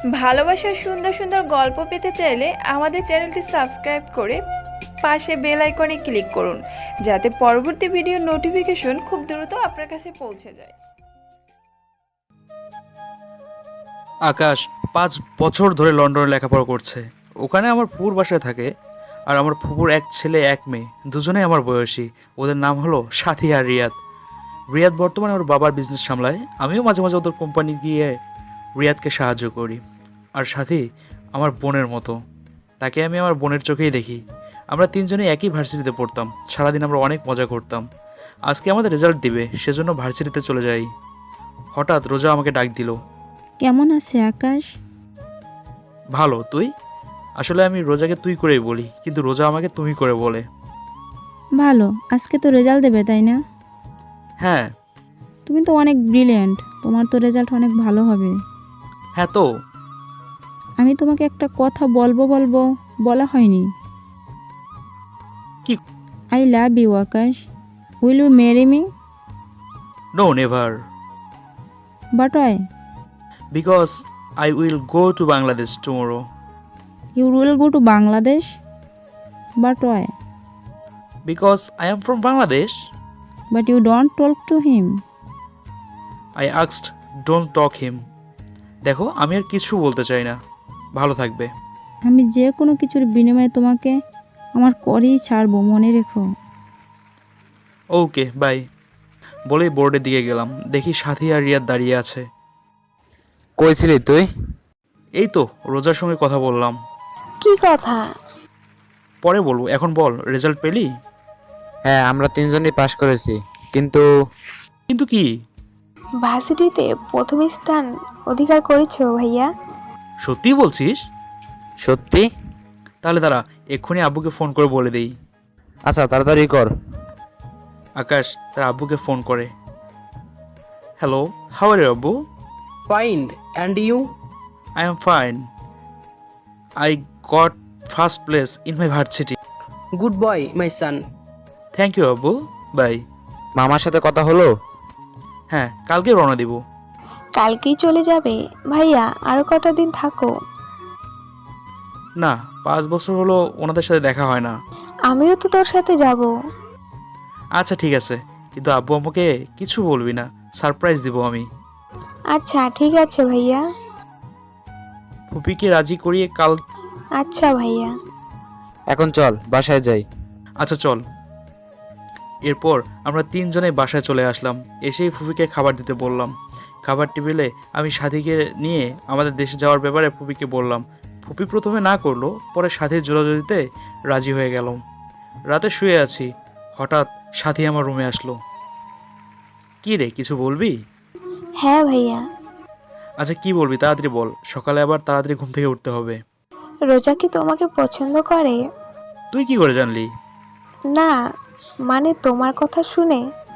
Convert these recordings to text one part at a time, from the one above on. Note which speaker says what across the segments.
Speaker 1: ভালোবাসার সুন্দর সুন্দর গল্প পেতে চাইলে আমাদের চ্যানেলটি সাবস্ক্রাইব করে পাশে বেল আইকনে ক্লিক করুন, যাতে পরবর্তী ভিডিওর নোটিফিকেশন খুব দ্রুত আপনার কাছে পৌঁছে যায়।
Speaker 2: আকাশ ৫ বছর ধরে লন্ডনে লেখাপড়া করছে। ওখানে আমার ফুপুর বাসায় থাকে। আর আমার ফুপুর এক ছেলে এক মেয়ে, দুজনেই আমার বয়সী। ওদের নাম হলো সাথী আর রিয়াদ। রিয়াদ বর্তমানে ওর বাবার বিজনেস সামলায়। আমিও মাঝে মাঝে ওদের কোম্পানি গিয়ে রিয়াদকে সাহায্য করি। আর সাথী আমার বোনের মতো, তাকে আমি আমার বোনের চোখেই দেখি। আমরা তিনজনেই একই ভার্সিটিতে পড়তাম। সারাদিন আমরা অনেক মজা করতাম। আজকে আমাদের রেজাল্ট দিবে, সেজন্য ভার্সিটিতে চলে যাই। হঠাৎ রোজা আমাকে ডাক দিল।
Speaker 3: কেমন আছে আকাশ?
Speaker 2: ভালো, তুই? আসলে আমি রোজাকে তুই করেই বলি, কিন্তু রোজা আমাকে তুমি করে বলে।
Speaker 3: ভালো। আজকে তো রেজাল্ট দেবে, তাই না?
Speaker 2: হ্যাঁ।
Speaker 3: তুমি তো অনেক ব্রিলিয়েন্ট, তোমার তো রেজাল্ট অনেক ভালো হবে।
Speaker 2: হ্যাঁ তো।
Speaker 3: আমি তোমাকে একটা কথা বলবো বলা হয়নি।
Speaker 2: কি?
Speaker 3: I love you Akash. Will you marry me?
Speaker 2: No, never.
Speaker 3: But why?
Speaker 2: Because I will go to Bangladesh tomorrow.
Speaker 3: You will go to Bangladesh? But why?
Speaker 2: Because I am from Bangladesh.
Speaker 3: But you don't talk to him.
Speaker 2: I asked don't talk him. দেখো, আমি আর কিছু বলতে চাই না। ভালো থাকবে।
Speaker 3: আমি যে কোনো কিছুর বিনিময়ে তোমাকে আমার করেই ছাড়বো, মনে রেখো।
Speaker 2: Okay, bye. বলেই বোর্ডের দিকে গেলাম। দেখি সাথী আর রিয়াদ দাঁড়িয়ে আছে।
Speaker 4: কই ছিলি তুই?
Speaker 2: এই তো রোজার সঙ্গে কথা বললাম।
Speaker 5: কি কথা?
Speaker 2: পরে বলবো, এখন বল, রেজাল্ট পেলি?
Speaker 4: হ্যাঁ, আমরা তিনজনই পাশ করেছি, কিন্তু
Speaker 2: কিন্তু কি?
Speaker 5: ভার্সিটিতে প্রথম স্থান অধিকার করেছো ভাইয়া।
Speaker 2: সত্যি বলছিস?
Speaker 4: সত্যি?
Speaker 2: তাহলে দাঁড়া, এক্ষুনি আব্বুকে ফোন করে বলে দেই।
Speaker 4: আচ্ছা, তাড়াতাড়ি কর।
Speaker 2: আকাশ তার আব্বুকে ফোন করে। হ্যালো, হাউ আর ইউ আব্বু?
Speaker 6: Fine. And you?
Speaker 2: I am fine. I got first place in my varsity.
Speaker 6: Good boy, my son.
Speaker 2: Thank you, আব্বু। বাই।
Speaker 4: মামার সাথে কথা হলো?
Speaker 2: হ্যাঁ, কালকে রওনা দিব।
Speaker 5: কালকেই চলে যাবে ভাইয়া? আরো কটা দিন থাকো।
Speaker 2: না, 5 বছর হলো ওনাদের সাথে দেখা হয় না।
Speaker 5: আমিও তো তোর সাথে যাব।
Speaker 2: আচ্ছা ঠিক আছে, কিন্তু আব্বু আমাকে কিছু বলবি না, সারপ্রাইজ দিব আমি।
Speaker 5: আচ্ছা ঠিক আছে ভাইয়া।
Speaker 2: ফুপিকে রাজি করিয়ে কাল।
Speaker 5: আচ্ছা ভাইয়া।
Speaker 4: এখন চল বাসায় যাই।
Speaker 2: আচ্ছা চল। এরপর আমরা তিনজনে বাসায় চলে আসলাম। এসেই ফুপিকে খাবার দিতে বললাম। খাবার টেবিলে আমি সাথীকে নিয়ে আমাদের দেশে যাওয়ার ব্যাপারে ফুপিকে বললাম। ফুপি প্রথমে না করলো, পরে সাথীর জোরাজুরিতে রাজি হয়ে গেলাম। রাতে শুয়ে আছি, হঠাৎ সাথী আমার রুমে আসলো। কি রে, কিছু বলবি?
Speaker 5: হ্যাঁ ভাইয়া।
Speaker 2: আচ্ছা কি বলবি, তাড়াতাড়ি বল, সকালে আবার তাড়াতাড়ি ঘুম থেকে উঠতে হবে।
Speaker 5: রোজা কি তোমাকে পছন্দ করে?
Speaker 2: তুই কি করে জানলি?
Speaker 5: না, মানে তোমার কথা শুনে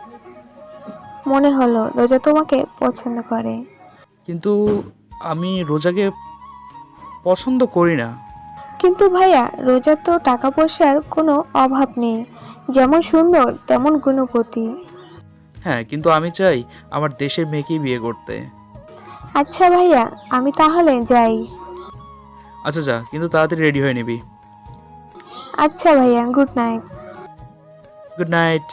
Speaker 5: মনে হলো রোজা তোমাকে পছন্দ করে।
Speaker 2: কিন্তু আমি রোজাকে পছন্দ করি না।
Speaker 5: কিন্তু ভাইয়া, রোজার তো টাকা পয়সার কোনো অভাব নেই, যেমন সুন্দর তেমন গুণবতী।
Speaker 2: হ্যাঁ, কিন্তু আমি চাই আমার দেশের মেয়েকেই বিয়ে করতে।
Speaker 5: আচ্ছা ভাইয়া, আমি তাহলে যাই।
Speaker 2: আচ্ছা যা, কিন্তু তাড়াতাড়ি রেডি হয়ে নিবি।
Speaker 5: আচ্ছা ভাইয়া, গুড নাইট।
Speaker 2: Good night.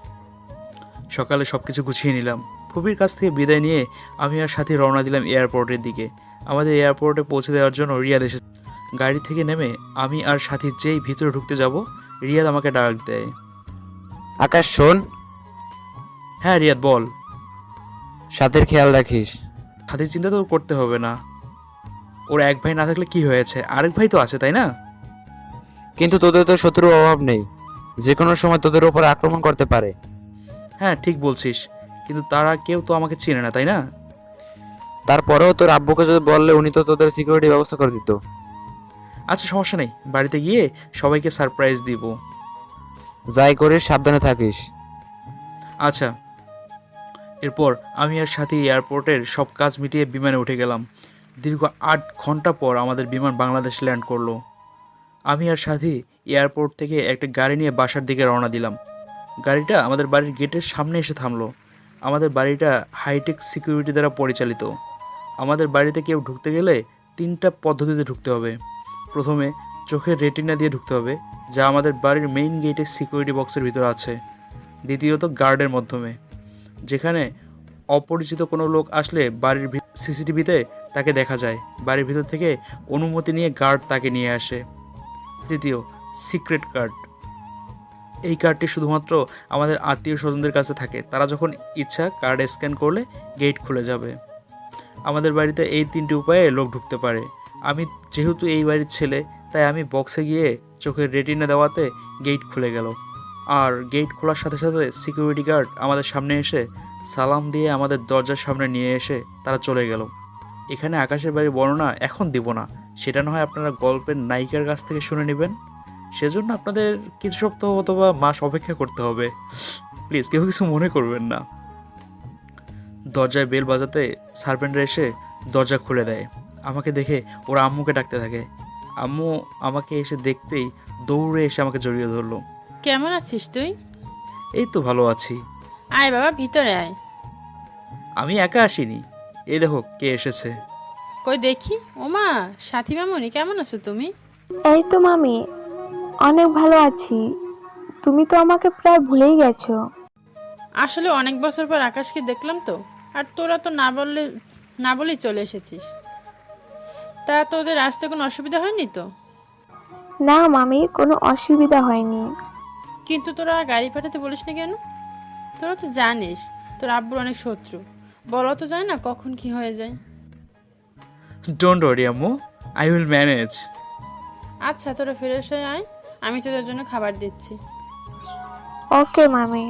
Speaker 2: সকালে সব কিছু গুছিয়ে নিলাম। ফুপির কাছ থেকে বিদায় নিয়ে আমি আর সাথী রওনা দিলাম এয়ারপোর্টের দিকে। আমাদের এয়ারপোর্টে পৌঁছে দেওয়ার জন্য রিয়াদ এসে গাড়ি থেকে নেমে আমি আর সাথী যেই ভিতরে ঢুকতে যাব, রিয়াদ আমাকে ডাক দেয়।
Speaker 4: আকাশ শোন।
Speaker 2: হ্যাঁ রিয়াদ বল।
Speaker 4: সাথীর খেয়াল রাখিস।
Speaker 2: সাথীর চিন্তা তো করতে হবে না। ওর এক ভাই না থাকলে কি হয়েছে, আরেক ভাই তো আছে, তাই না?
Speaker 4: কিন্তু তোদের তো শত্রুর অভাব নেই, যে কোনো সময় তোদের উপর আক্রমণ করতে পারে।
Speaker 2: হ্যাঁ ঠিক বলছিস, কিন্তু তারা কেউ তো আমাকে চেনে না, তাই না?
Speaker 4: তারপরেও তোর আব্বুকে যদি বললে, উনি তো তোদের সিকিউরিটি ব্যবস্থা করে দিত।
Speaker 2: আচ্ছা সমস্যা নেই, বাড়িতে গিয়ে সবাইকে সারপ্রাইজ দিব।
Speaker 4: যাই করিস সাবধানে থাকিস।
Speaker 2: আচ্ছা। এরপর আমি আর সাথী এয়ারপোর্টের সব কাজ মিটিয়ে বিমানে উঠে গেলাম। দীর্ঘ 8 ঘন্টা পর আমাদের বিমান বাংলাদেশ ল্যান্ড করলো। আমি আর সাথী এয়ারপোর্ট থেকে একটা গাড়ি নিয়ে বাসার দিকে রওনা দিলাম। গাড়িটা আমাদের বাড়ির গেটের সামনে এসে থামলো। আমাদের বাড়িটা হাইটেক সিকিউরিটি দ্বারা পরিচালিত। আমাদের বাড়িতে কেউ ঢুকতে গেলে 3টা পদ্ধতিতে ঢুকতে হবে। প্রথমে চোখের রেটিনা দিয়ে ঢুকতে হবে, যা আমাদের বাড়ির মেইন গেটের সিকিউরিটি বক্সের ভিতরে আছে। দ্বিতীয়ত গার্ডের মাধ্যমে, যেখানে অপরিচিত কোনো লোক আসলে বাড়ির সিসিটিভিতে তাকে দেখা যায়। বাড়ির ভিতর থেকে অনুমতি নিয়ে গার্ড তাকে নিয়ে আসে। তৃতীয়, সিক্রেট কার্ড। এই কার্ডটি শুধুমাত্র আমাদের আত্মীয় স্বজনদের কাছে থাকে। তারা যখন ইচ্ছা কার্ড স্ক্যান করলে গেট খুলে যাবে। আমাদের বাড়িতে এই 3টি উপায়ে লোক ঢুকতে পারে। আমি যেহেতু এই বাড়ির ছেলে, তাই আমি বক্সে গিয়ে চোখের রেটিনা দেওয়াতে গেট খুলে গেল। আর গেট খোলার সাথে সাথে সিকিউরিটি গার্ড আমাদের সামনে এসে সালাম দিয়ে আমাদের দরজার সামনে নিয়ে এসে তারা চলে গেল। এখানে আকাশের বাড়ির বর্ণনা এখন দিব না, সেটা না হয় আপনারা গল্পের নায়িকার কাছ থেকে শুনে নেবেন। সেজন্য আপনাদের কিছু সপ্তাহ অথবা মাস অপেক্ষা করতে হবে। প্লিজ কেউ কিছু মনে করবেন না। দরজায় বেল বাজাতে সার্ভেন্টরা এসে দরজা খুলে দেয়। আমাকে দেখে ওরা আম্মুকে ডাকতে থাকে। আম্মু আমাকে এসে দেখতেই দৌড়ে এসে আমাকে জড়িয়ে ধরলো।
Speaker 7: কেমন আছিস তুই?
Speaker 2: এই তো ভালো আছি।
Speaker 7: আয় বাবা, ভিতরে আয়।
Speaker 2: আমি একা আসিনি, এই দেখো কে এসেছে।
Speaker 7: কই দেখি। ওমা, সাথী মামুনি, কেমন আছো তুমি?
Speaker 5: এই তো মামি, অনেক ভালো আছি। তুমি তো আমাকে প্রায় ভুলেই গেছো।
Speaker 7: আসলে অনেক বছর পর আকাশকে দেখলাম তো, আর তোরা তো না বলেই চলে এসেছিস। তা তোদের আসতে কোনো অসুবিধা হয়নি তো?
Speaker 5: না মামি, কোনো অসুবিধা হয়নি।
Speaker 7: কিন্তু তোরা গাড়ি পাঠাতে বলিস না কেন? তোরা তো জানিস তোর আব্বুর অনেক শত্রু। বলা তো যায় না কখন কি হয়ে যায়।
Speaker 2: ডোন্ট ওয়ারি আম্মু, আই উইল ম্যানেজ।
Speaker 7: আচ্ছা, তোরা ফ্রেশ হয়ে আয়, আমি তোদের জন্য খাবার দিচ্ছি।
Speaker 5: ওকে মামি।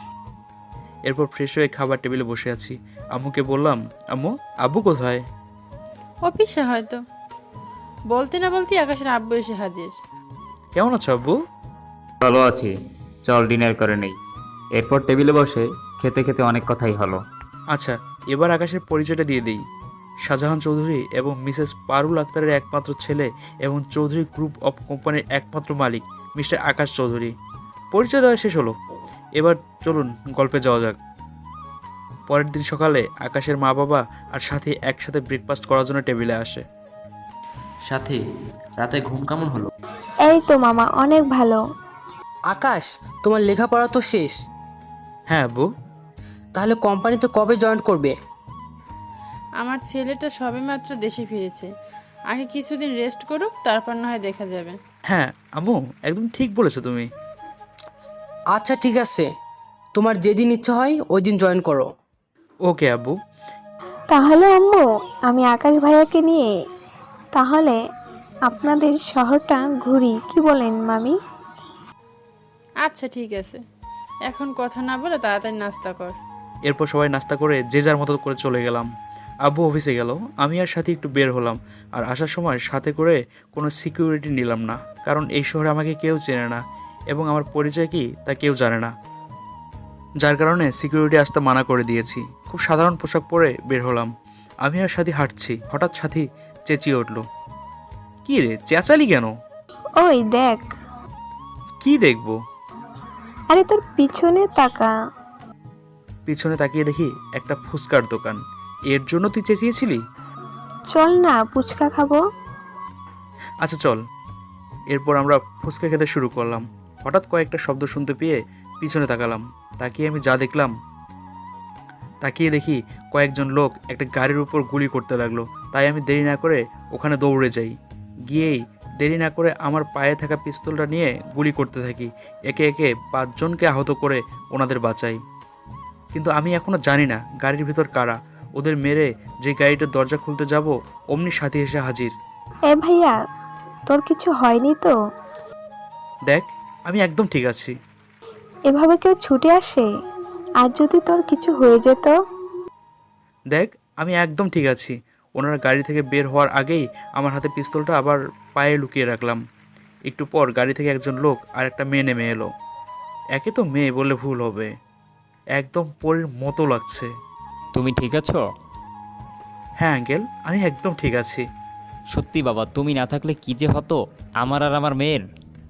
Speaker 2: এরপর ফ্রেশ হয়ে খাবার টেবিলে বসে আছি। আম্মুকে বললাম, আম্মু আব্বু কোথায়?
Speaker 7: অফিসে হয়তো। বলতে না বলতেই আকাশের আব্বু এসে হাজির।
Speaker 2: কেমন আছো আব্বু?
Speaker 8: ভালো আছি, চল ডিনার করে নেই। এরপর টেবিলে বসে খেতে খেতে অনেক কথাই হলো।
Speaker 2: আচ্ছা, এবার আকাশের পরিচয়টা দিয়ে দিই। শাহজাহান চৌধুরী এবং মিসেস পারুল আক্তারের একমাত্র ছেলে এবং চৌধুরী গ্রুপ অফ কোম্পানির একমাত্র মালিক মিস্টার আকাশ চৌধুরী। পরিচয় দেওয়া শেষ হলো, এবার চলুন গল্পে যাওয়া যাক। পরের দিন সকালে আকাশের মা বাবা আর সাথী একসাথে ব্রেকফাস্ট করার জন্য টেবিলে আসে।
Speaker 4: সাথে রাতে ঘুম কেমন হলো?
Speaker 5: এই তো মামা, অনেক ভালো।
Speaker 6: আকাশ, তোমার লেখাপড়া তো শেষ,
Speaker 2: হ্যাঁ আব্বু।
Speaker 6: তাহলে কোম্পানিতে কবে জয়েন করবে?
Speaker 7: আমার ছেলেটা সবেমাত্র দেশে ফিরেছে, আগে কিছুদিন রেস্ট করুক, তারপর না হয় দেখা যাবে।
Speaker 2: হ্যাঁ আম্মু, একদম ঠিক বলেছো তুমি।
Speaker 6: আচ্ছা ঠিক আছে, তোমার যেদিন ইচ্ছা হয় ওই দিন জয়েন করো।
Speaker 2: ওকে আব্বু।
Speaker 5: তাহলে আম্মু, আমি আকাশ ভাইয়াকে নিয়ে তাহলে আপনাদের শহরটা ঘুরি, কি বলেন মামি?
Speaker 7: আচ্ছা ঠিক আছে, এখন কথা না বলে তাড়াতাড়ি নাস্তা কর।
Speaker 2: এরপর সবাই নাস্তা করে যে যার মতো করে চলে গেলাম। আব্বু অফিসে গেল, আমি আর সাথে একটু বের হলাম। আর আসার সময় সাথে করে কোনো সিকিউরিটি নিলাম না, কারণ এই শহরে আমাকে কেউ চেনে না এবং আমার পরিচয় কি তা কেউ জানে না, যার কারণে সিকিউরিটি আসতে মানা করে দিয়েছি। খুব সাধারণ পোশাক পরে বের হলাম। আমি আর সাথী হাঁটছি, হঠাৎ সাথী চেঁচিয়ে উঠল, কী রে চেঁচালি কেন?
Speaker 5: ওই দেখ।
Speaker 2: কি দেখবো?
Speaker 5: আরে তোর পিছনে তাকা।
Speaker 2: পিছনে তাকিয়ে দেখি একটা ফুচকার দোকান। এর জন্য তুই চেঁচিয়েছিলি?
Speaker 5: চল না, ফুচকা খাবো।
Speaker 2: আচ্ছা চল। এরপর আমরা ফুচকা খেতে শুরু করলাম। হঠাৎ কয়েকটা শব্দ শুনতে পেয়ে পিছনে তাকালাম। তাকিয়ে আমি যা দেখলাম, তাকিয়ে দেখি কয়েকজন লোক একটা গাড়ির উপর গুলি করতে লাগলো। তাই আমি দেরি না করে ওখানে দৌড়ে যাই। গিয়েই দেরি না করে আমার পায়ে থাকা পিস্তলটা নিয়ে গুলি করতে থাকি। একে একে 5 জনকে আহত করে ওনাদের বাঁচাই। কিন্তু আমি এখনও জানি না গাড়ির ভিতর কারা। ওদের মেরে যে গাড়িটার দরজা খুলতে যাব, অমনি সাথী এসে হাজির।
Speaker 5: এ ভাইয়া, তোর কিছু হয়নি তো?
Speaker 2: দেখ, আমি একদম ঠিক আছি।
Speaker 5: এভাবে কেউ ছুটে আসে? আর যদি তোর কিছু হয়ে যেত?
Speaker 2: দেখ, আমি একদম ঠিক আছি। ওনারা গাড়ি থেকে বের হওয়ার আগেই আমার হাতে পিস্তলটা আবার পায়ে লুকিয়ে রাখলাম। একটু পর গাড়ি থেকে একজন লোক আর একটা মেয়ে নেমে এলো। একে তো মেয়ে বললে ভুল হবে, একদম পরীর মতো লাগছে।
Speaker 9: তুমি ঠিক আছো?
Speaker 2: হ্যাঁ আঙ্কেল, আমি একদম ঠিক আছি।
Speaker 9: সত্যি বাবা, তুমি না থাকলে কি যে হতো আমার আর আমার মেয়ের।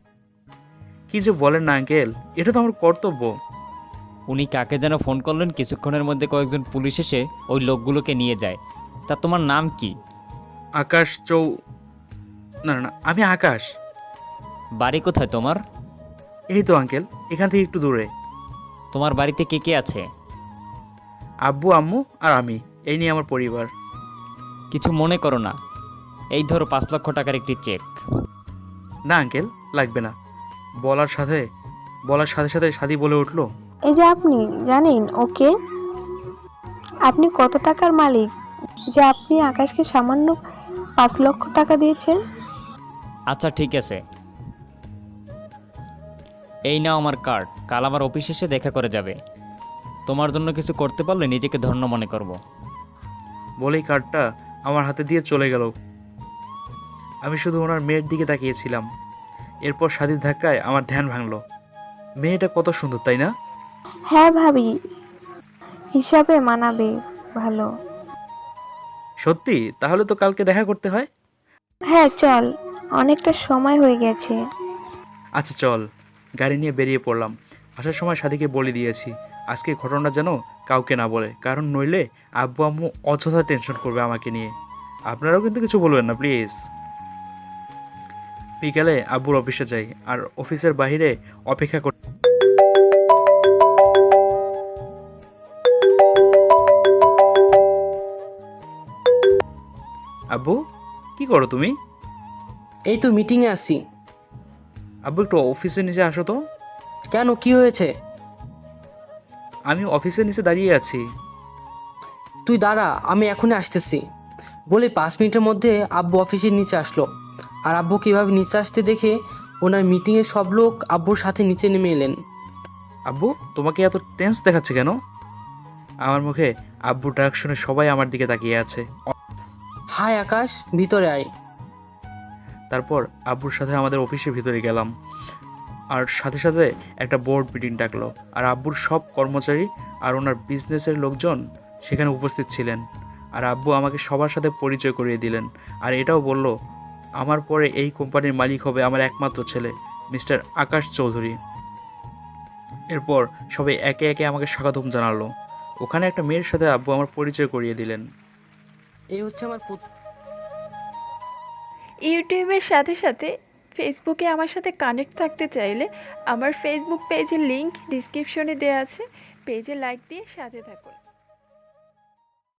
Speaker 2: কি যে বলেন না আঙ্কেল, এটা তো আমার কর্তব্য।
Speaker 9: উনি কাকে যেন ফোন করলেন, কিছুক্ষণের মধ্যে কয়েকজন পুলিশ এসে ওই লোকগুলোকে নিয়ে যায়। তা তোমার নাম কি?
Speaker 2: আকাশ না না না, আমি আকাশ।
Speaker 9: বাড়ি কোথায় তোমার?
Speaker 2: এই তো আঙ্কেল, এখান থেকে একটু দূরে।
Speaker 9: তোমার বাড়িতে কে কে আছে?
Speaker 2: আব্বু, আম্মু আর আমি, এই নিয়ে আমার পরিবার।
Speaker 9: কিছু মনে করো না, এই ধরো 5 লক্ষ টাকার একটি চেক।
Speaker 2: না আঙ্কেল, লাগবে না। বলার সাথে সাথে সাদি বলে উঠলো,
Speaker 5: এই যে আপনি জানেন ওকে, আপনি কত টাকার মালিক যে আপনি আকাশকে সামান্য 5 লক্ষ টাকা দিয়েছেন?
Speaker 9: আচ্ছা ঠিক আছে, এই নাও আমার কার্ড, কাল আমার অফিস এসে দেখা করে যাবে। তোমার জন্য কিছু করতে পারলে নিজেকে ধন্য মনে করব।
Speaker 2: বলেই কার্ডটা আমার হাতে দিয়ে চলে গেল। আমি শুধু ওনার মেয়ের দিকে তাকিয়েছিলাম। এরপর সাদির ধাক্কায় আমার ধ্যান ভাঙলো। মেয়েটা কত সুন্দর, তাই না?
Speaker 5: হ্যাঁ ভাবি, হিসাবে মানাবে ভালো।
Speaker 2: সত্যি? তাহলে তো কালকে দেখা করতে হয়।
Speaker 5: হ্যাঁ চল, অনেকটা সময় হয়ে গেছে।
Speaker 2: আচ্ছা চল। গাড়ি নিয়ে বেরিয়ে পড়লাম। আসার সময় সাদিকে বলে দিয়েছি আজকে ঘটনা যেন কাউকে না বলে, কারণ নইলে আব্বু আম্মু অযথা টেনশন করবে আমাকে নিয়ে। আপনারাও কিন্তু কিছু বলবেন না প্লিজ। বিকালে আব্বুর অফিসে যাই আর অফিসের বাইরে অপেক্ষা করি। আব্বু, কি করো তুমি?
Speaker 6: এই তো মিটিংয়ে আসছি।
Speaker 2: আব্বু একটু অফিসের নিচে আসো তো।
Speaker 6: কেন, কি হয়েছে?
Speaker 2: আমি অফিসের নিচে দাঁড়িয়ে আছি।
Speaker 6: তুই দাঁড়া, আমি এখনই আসতেছি। বলে 5 মিনিটের মধ্যে আব্বু অফিসের নিচে আসলো। আর আব্বু কীভাবে নিচে আসতে দেখে ওনার মিটিংয়ের সব লোক আব্বুর সাথে নিচে নেমে এলেন।
Speaker 2: আব্বু, তোমাকে এত টেন্স দেখাচ্ছে কেন? আমার মুখে আব্বুর ডাক শুনে সবাই আমার দিকে তাকিয়ে আছে।
Speaker 6: হাই আকাশ, ভিতরে আয়।
Speaker 2: তারপর আব্বুর সাথে আমাদের অফিসের ভিতরে গেলাম আর সাথে সাথে একটা বোর্ড মিটিং ডাকলো। আর আব্বুর সব কর্মচারী আর ওনার বিজনেসের লোকজন সেখানে উপস্থিত ছিলেন। আর আব্বু আমাকে সবার সাথে পরিচয় করিয়ে দিলেন। আর এটাও বলল আমার পরে এই কোম্পানির মালিক হবে আমার একমাত্র ছেলে মিস্টার আকাশ চৌধুরী। এরপর সবাই একে একে আমাকে স্বাগতম জানালো। ওখানে একটা মেয়ের সাথে আব্বু আমার পরিচয় করিয়ে দিলেন।
Speaker 6: এই হচ্ছে আমার পুত্র।
Speaker 1: ইউটিউবের সাথে সাথে ফেসবুকে আমার সাথে কানেক্ট থাকতে চাইলে আমার ফেসবুক পেজের লিংক ডিসক্রিপশনে দেওয়া আছে, পেজে লাইক দিয়ে সাথে থাকুন।